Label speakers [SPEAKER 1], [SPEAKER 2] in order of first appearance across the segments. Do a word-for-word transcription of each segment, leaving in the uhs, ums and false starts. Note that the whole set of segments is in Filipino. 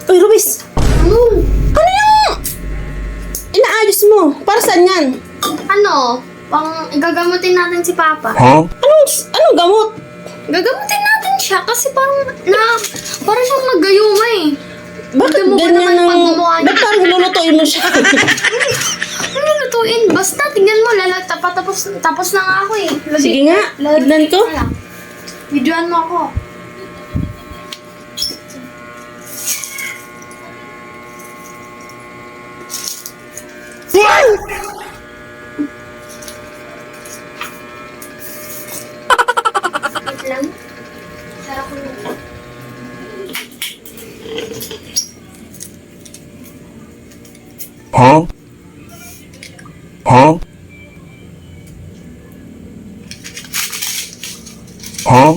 [SPEAKER 1] Uy, Rubis!
[SPEAKER 2] Ano?
[SPEAKER 1] Ano yung inaayos mo? Para saan yan?
[SPEAKER 2] Ano? Pang gagamutin natin si Papa.
[SPEAKER 1] Anong, anong gamot?
[SPEAKER 2] Gagamutin natin siya kasi parang na parang siyang nagayuma eh.
[SPEAKER 1] Bakit
[SPEAKER 2] Tignan mo ba
[SPEAKER 1] ganyan
[SPEAKER 2] naman
[SPEAKER 1] ang...
[SPEAKER 2] pagmumukha niya?
[SPEAKER 1] Ba't parang lulutuin mo siya?
[SPEAKER 2] Ano lutuin? Basta tingnan mo lalata pa tapos tapos na nga ako eh. Lagi-
[SPEAKER 1] Sige nga,
[SPEAKER 2] lagi-
[SPEAKER 1] tignan ko.
[SPEAKER 2] Wala. Videoan mo ako. Wait lang. Sarap ko nito.
[SPEAKER 3] Huh? Huh? Huh?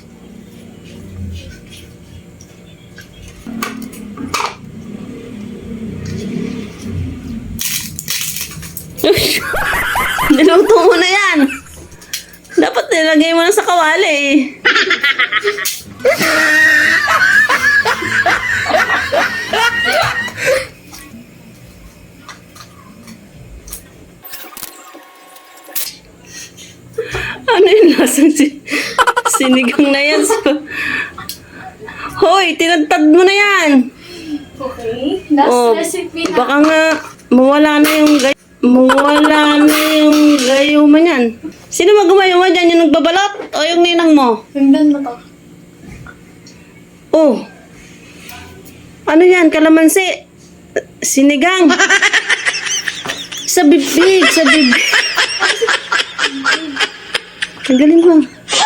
[SPEAKER 1] Niluto mo na yan. Dapat nilagay mo na sa kawali eh. Ano yung lasang si sinigang na yan? Hoy, tinadtad mo na yan.
[SPEAKER 2] Okay. Last
[SPEAKER 1] Oh,
[SPEAKER 2] recipe na.
[SPEAKER 1] baka nga mawala na yung gay mawala na yung gayuma niyan. Sino maggumayuma dyan? Yung nagbabalot o yung ninang mo?
[SPEAKER 2] Tingnan mo to.
[SPEAKER 1] Oh. Ano yan? Kalamansi. Sinigang. Sa bibig, sa bibig. Ang galing mo.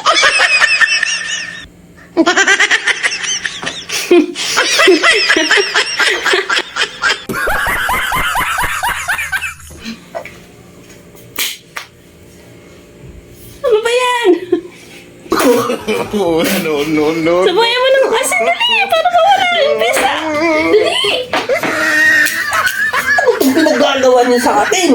[SPEAKER 1] Ano ba yan?
[SPEAKER 3] Oh, no, no, no.
[SPEAKER 1] Sabayan mo ng asin. Dali! Para kawala yung pisa. Dali!
[SPEAKER 4] Ano gagawa niya sa atin?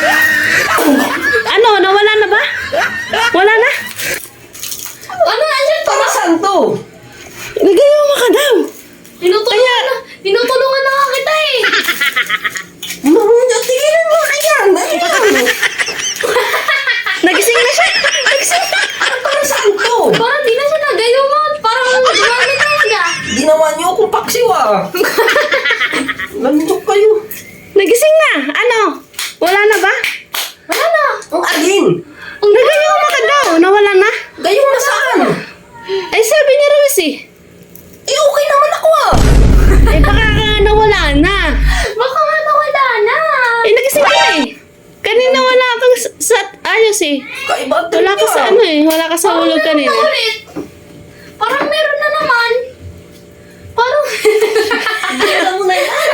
[SPEAKER 1] Ano? Nawala na ba? Wala na?
[SPEAKER 2] Ano nandiyan pa?
[SPEAKER 4] Para saan to?
[SPEAKER 1] Nagayuma ka daw.
[SPEAKER 2] Tinutulungan na. Tinutulungan na nga kita eh.
[SPEAKER 4] Marunong, tingnan mo na yan. Ano yan?
[SPEAKER 1] Nagising na siya. Nagising na.
[SPEAKER 4] Para saan to?
[SPEAKER 2] Parang di na siya nagayuma. Parang gumamit talaga.
[SPEAKER 4] Ginawa niyo akong paksiw ah. Lantok kayo.
[SPEAKER 1] Nagising na. Ano? Wala na ba?
[SPEAKER 2] Wala na.
[SPEAKER 4] Ang alin?
[SPEAKER 1] Nagayuma ka daw. Nawala na.
[SPEAKER 4] Gayong na saan?
[SPEAKER 1] Eh, sabi ni Rose eh.
[SPEAKER 4] Eh, okay naman ako ah.
[SPEAKER 1] Eh, baka ka nawala na.
[SPEAKER 2] Baka nga nawala na.
[SPEAKER 1] Eh, nagising ka na eh. Kanina wala kang sa, sa ayos eh.
[SPEAKER 4] Kaiba
[SPEAKER 1] Wala ka sa ano eh. Wala ka sa hulog kanina.
[SPEAKER 2] Meron na ulit. Parang meron na naman. Parang...
[SPEAKER 4] Alam mo na yan.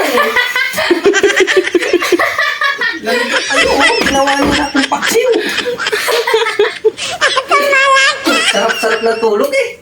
[SPEAKER 4] Lantok kayo oh. Ginawa niyo na akong paksiw. Sarap-sarap na tulog eh.